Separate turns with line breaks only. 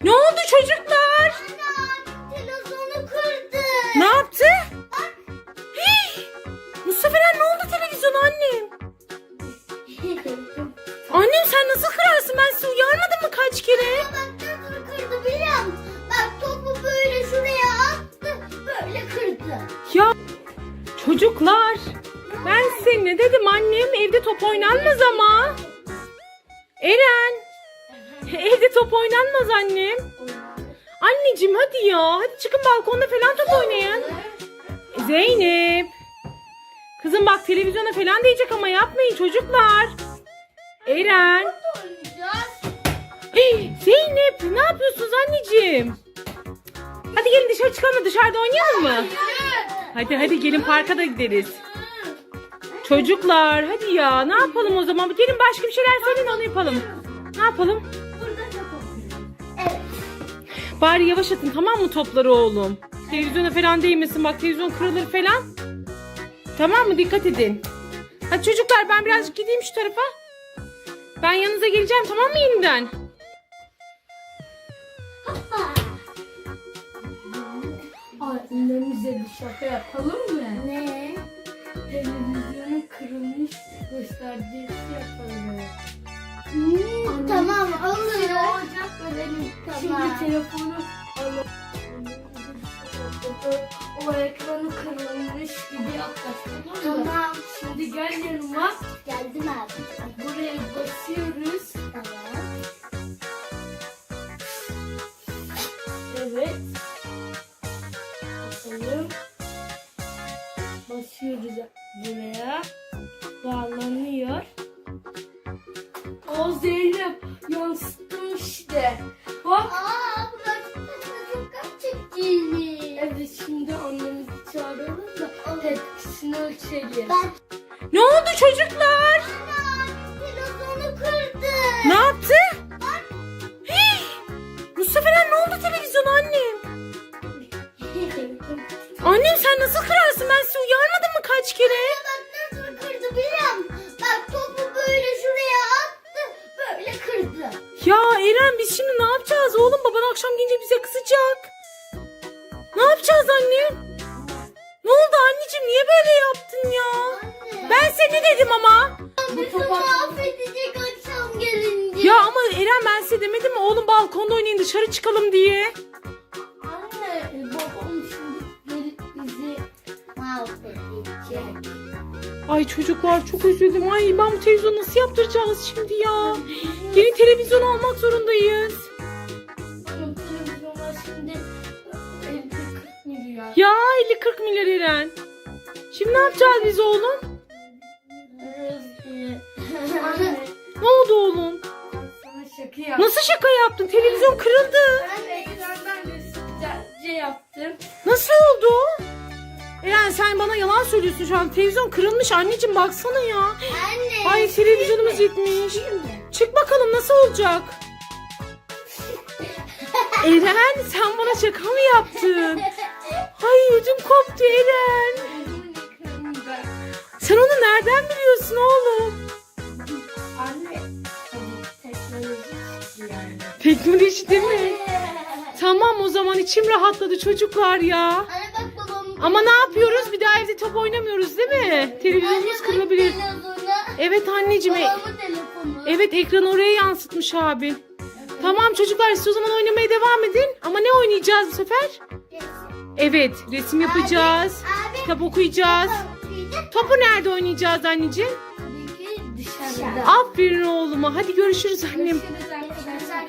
Ne oldu çocuklar?
Anne televizyonu kırdı.
Ne yaptı? Hey! Mustafa Eren, ne oldu televizyona annem? Annem sen nasıl kırarsın? Ben sizi uyarmadım mı kaç kere?
Bak nasıl kırdı biliyor musun? Bak topu böyle şuraya attı. Böyle kırdı.
Ya çocuklar, ben size ne dedim annem? Evde top oynanmaz ama. Eren, evde top oynanmaz annem. Anneciğim hadi ya. Hadi çıkın balkonda falan top oynayın. Zeynep. Kızım bak televizyona falan diyecek ama yapmayın çocuklar. Eren.
Oynayacağız.
Hey, Zeynep ne yapıyorsunuz anneciğim? Hadi gelin dışarı çıkalım, dışarıda oynayalım mı? Hadi gelin parka da gideriz. Çocuklar hadi ya, ne yapalım o zaman? Gelin başka bir şeyler söyleyin, onu yapalım. Ne yapalım?
Burada top oynuyoruz. Evet.
Bari yavaş atın tamam mı topları oğlum? Televizyona falan değmesin, bak televizyon kırılır falan. Tamam mı? Dikkat edin. Hadi çocuklar ben birazcık gideyim şu tarafa. Ben yanınıza geleceğim tamam mı yeniden?
Annemize bir şaka yapalım mı?
Ne?
Televizyonun kırılmış göstergesi yapalım.
Tamam olur.
Olacak ölelim.
Tamam.
Şimdi telefonu alalım. O ekranı kırılmış gibi yaklaştım.
Tamam.
Şimdi gel yanıma.
Geldim abi.
Buraya basıyoruz.
Tamam.
Evet. Bakalım. Basıyoruz buraya. Bağlanıyor. O Zeynep yansıttım işte. Bak.
Aa burası çok çektiğini.
Evet şimdi annemizi çağıralım da tepkisini ölçelim.
Ben
Ne oldu çocuklar?
televizyonu kırdı.
Ne yaptı? Hey! Mustafa Eren, ne oldu televizyona annem? Annem sen nasıl kırarsın? Ben sizi uyarmadım mı kaç kere?
Bak nasıl kırdı biliyor musun? Bak topu böyle şuraya attı. Böyle kırdı.
Ya Eren biz şimdi ne yapacağız oğlum? Baban akşam gelince bize kızacak. Ne yapacağız annem? Ne oldu anneciğim? Niye böyle yaptın ya?
Anne.
Ben size ne dedim ama?
Bizi mahvedecek akşam gelince.
Ya ama Eren ben size demedim mi? Oğlum balkonda oynayın, dışarı çıkalım diye.
Anne babam şimdi gelip bizi
Mahvedecek.
Ay çocuklar çok üzüldüm. Ay ben bu televizyonu nasıl yaptıracağız şimdi ya? Yeni televizyon almak zorundayız.
Onun televizyonlar şimdi 50-40 milyar.
Ya 50-40 milyar Eren. Şimdi ne yapacağız biz oğlum?
Anne
Ne oldu oğlum?
sana şaka yaptım.
Nasıl şaka yaptın? Televizyon kırıldı.
Ben ekrandan resimlerce yaptım.
Nasıl oldu? Eren sen bana yalan söylüyorsun şu an. Televizyon kırılmış anneciğim, baksana ya.
Anne.
Ay televizyonumuz gitmiş. Çık bakalım nasıl olacak? Eren sen bana şaka mı yaptın? Ay ödüm koptu Eren.
Onun ekranında.
Sen onu nereden biliyorsun oğlum?
Anne teknoloji çıktı yani.
Teknoloji değil mi? Tamam o zaman içim rahatladı çocuklar ya.
Anne bak babam.
Ama ne yapıyoruz? Bir daha evde top oynamıyoruz değil mi? Televizyonumuz kırılabilir. Evet anneciğim.
Babamın telefonu.
Evet ekranı oraya yansıtmış abin. Tamam çocuklar siz o zaman oynamaya devam edin. Ama ne oynayacağız bu sefer? Evet resim yapacağız.
Abi.
Kitap okuyacağız.
Okuyacak.
Topu nerede oynayacağız anneciğim?
Tabii ki dışarıda.
Aferin oğluma. Hadi görüşürüz annem.
Görüşürüz arkadaşlar.